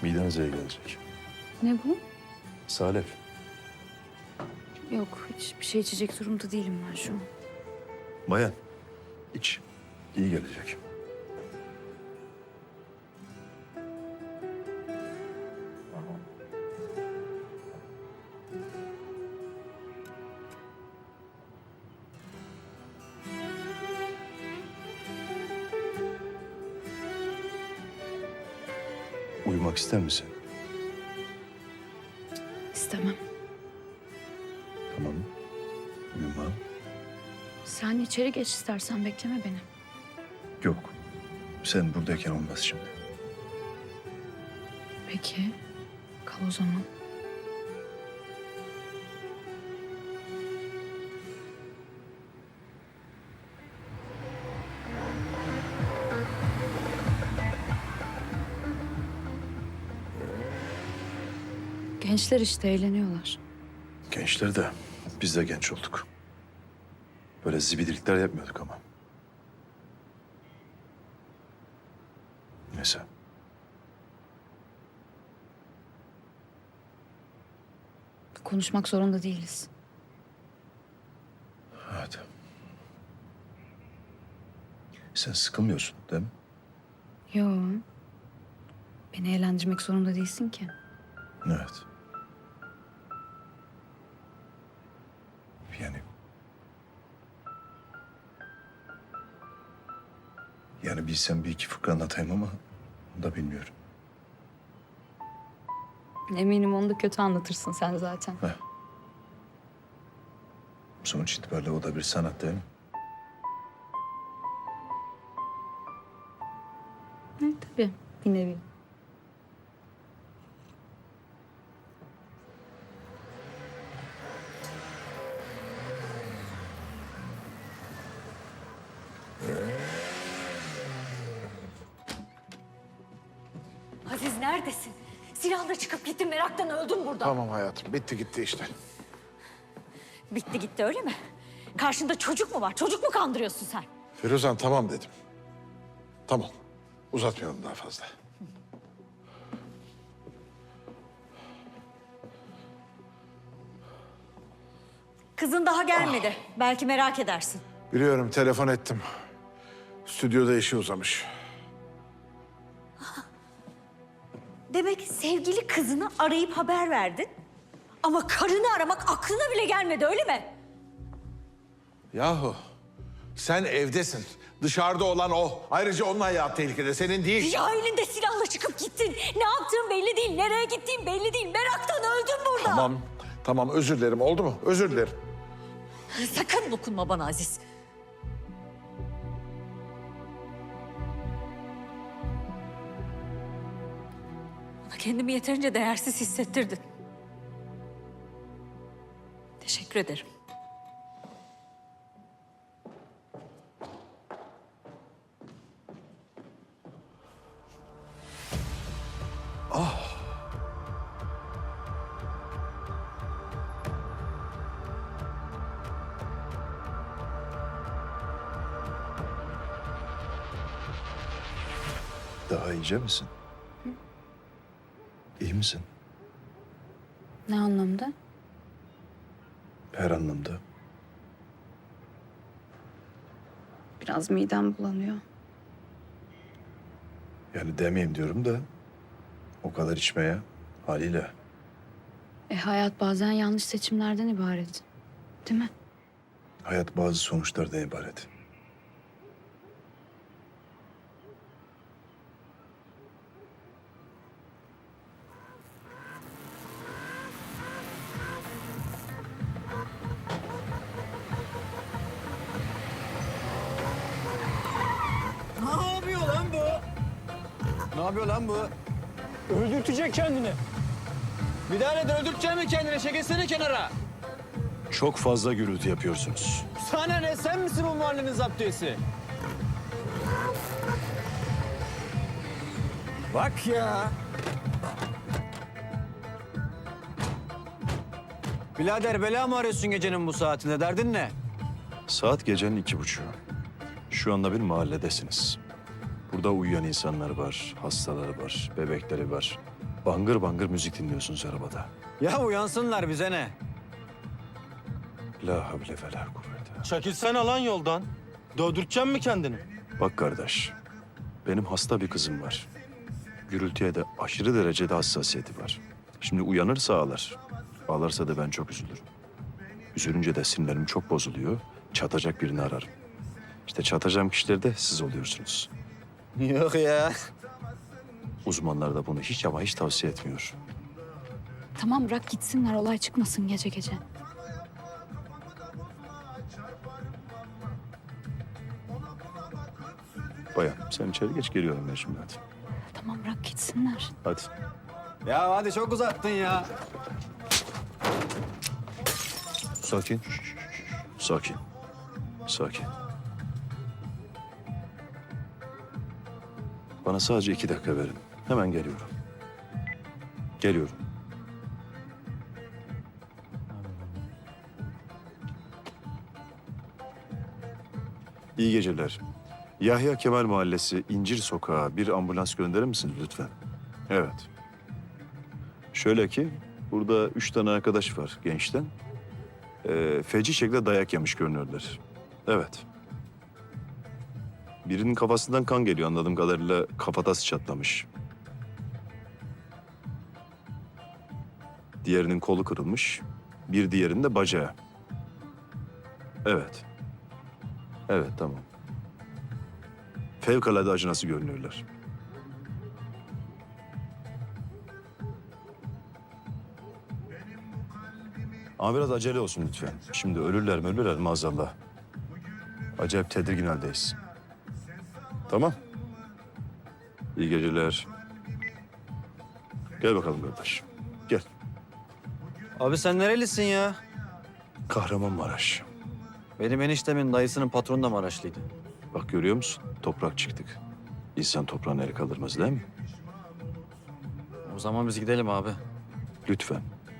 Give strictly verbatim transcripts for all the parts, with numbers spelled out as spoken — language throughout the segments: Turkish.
Midenize iyi gelecek. Ne bu? Salep. Yok, hiçbir şey içecek durumda değilim ben şu an. Bayan, iç. İyi gelecek. Uyumak ister misin? İstemem. Tamam. Uyuma. Sen içeri geç istersen, bekleme beni. Yok. Sen buradayken olmaz şimdi. Peki, kal o zaman. Gençler işte eğleniyorlar. Gençler de biz de genç olduk. Böyle zibidilikler yapmıyorduk ama. Neyse. Konuşmak zorunda değiliz. Evet. Sen sıkılmıyorsun değil mi? Yo. Beni eğlendirmek zorunda değilsin ki. Evet. Yani... Yani bilsem bir iki fıkra anlatayım ama onu da bilmiyorum. Eminim onu da kötü anlatırsın sen zaten. Heh. Sonuç itibariyle o da bir sanat değil mi? Evet, tabii bir nevi. Aziz neredesin? Silahla çıkıp gittin, meraktan öldüm burada. Tamam hayatım, bitti gitti işte. Bitti gitti öyle mi? Karşında çocuk mu var? Çocuk mu kandırıyorsun sen? Firuzan tamam dedim. Tamam, uzatmayalım daha fazla. Kızın daha gelmedi. Belki merak edersin. Biliyorum, telefon ettim. Stüdyoda işi uzamış. Demek sevgili kızını arayıp haber verdin. Ama karını aramak aklına bile gelmedi öyle mi? Yahu, sen evdesin. Dışarıda olan o. Ayrıca onun hayatı tehlikede, senin değil. Ya elinde silahla çıkıp gittin. Ne yaptığın belli değil, nereye gittiğin belli değil. Meraktan öldüm burada. Tamam, tamam özür dilerim. Oldu mu? Özür dilerim. Sakın dokunma bana Aziz. Bana kendimi yeterince değersiz hissettirdin. Teşekkür ederim. Daha iyice misin? Hı? İyi misin? Ne anlamda? Her anlamda. Biraz midem bulanıyor. Yani demeyeyim diyorum da o kadar içmeye haliyle. E hayat bazen yanlış seçimlerden ibaret. Değil mi? Hayat bazı sonuçlardan ibaret. Ne yapıyor lan bu? Ne yapıyor lan bu? Öldürtecek kendini. Bir tane de öldürtecek mi kendini? Çekilsene kenara. Çok fazla gürültü yapıyorsunuz. Sana ne? Sen misin bu mahallenin zaptiyesi? Bak ya. Birader bela mı arıyorsun gecenin bu saatinde? Derdin ne? Saat gecenin iki buçuğu. Şu anda bir mahalledesiniz. Burada uyuyan insanlar var, hastaları var, bebekleri var. Bangır bangır müzik dinliyorsunuz arabada. Ya uyansınlar bize ne? La havle ve la kuvvete. Çekilsene lan yoldan. Dövdürteceksin mi kendini? Bak kardeş, benim hasta bir kızım var. Gürültüye de aşırı derecede hassasiyeti var. Şimdi uyanırsa ağlar. Ağlarsa da ben çok üzülürüm. Üzülünce de sinirlerim çok bozuluyor. Çatacak birini ararım. İşte çatacağım kişiler de siz oluyorsunuz. Yok ya. Uzmanlar da bunu hiç ama hiç tavsiye etmiyor. Tamam bırak gitsinler olay çıkmasın gece gece. Bayan sen içeri geç, geliyorum ben şimdi, hadi. Tamam bırak gitsinler. Hadi. Ya hadi çok uzattın ya. Sakin. Sakin. Sakin. Bana sadece iki dakika verin. Hemen geliyorum. Geliyorum. İyi geceler. Yahya Kemal Mahallesi İncir Sokağı bir ambulans gönderir misiniz lütfen? Evet. Şöyle ki burada üç tane arkadaş var gençten. Ee, feci şekilde dayak yemiş görünüyorlar. Evet. Birinin kafasından kan geliyor anladığım kadarıyla, kafatası çatlamış. Diğerinin kolu kırılmış. Bir diğerinin de bacağı. Evet. Evet, tamam. Fevkalade acınası görünüyorlar. Ama biraz acele olsun lütfen. Şimdi ölürler mi ölürler maazallah. Acayip tedirgin haldeyiz. Tamam. İyi geceler. Gel bakalım kardeş. Gel. Abi sen nerelisin ya? Kahramanmaraş. Benim eniştemin dayısının patronu da Maraşlıydı. Bak görüyor musun? Toprak çıktık. İnsan toprağına el kaldırmaz değil mi? O zaman biz gidelim abi. Lütfen.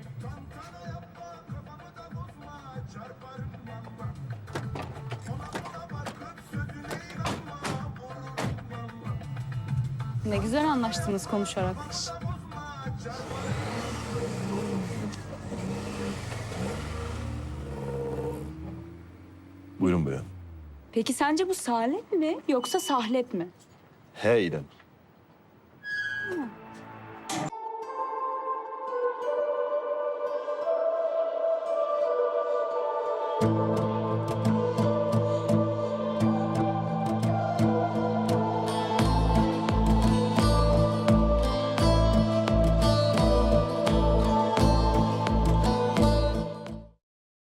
Ne güzel anlaştınız konuşarak. Buyurun bayan. Peki sence bu salep mi yoksa sahlep mi? He İrem. Ha.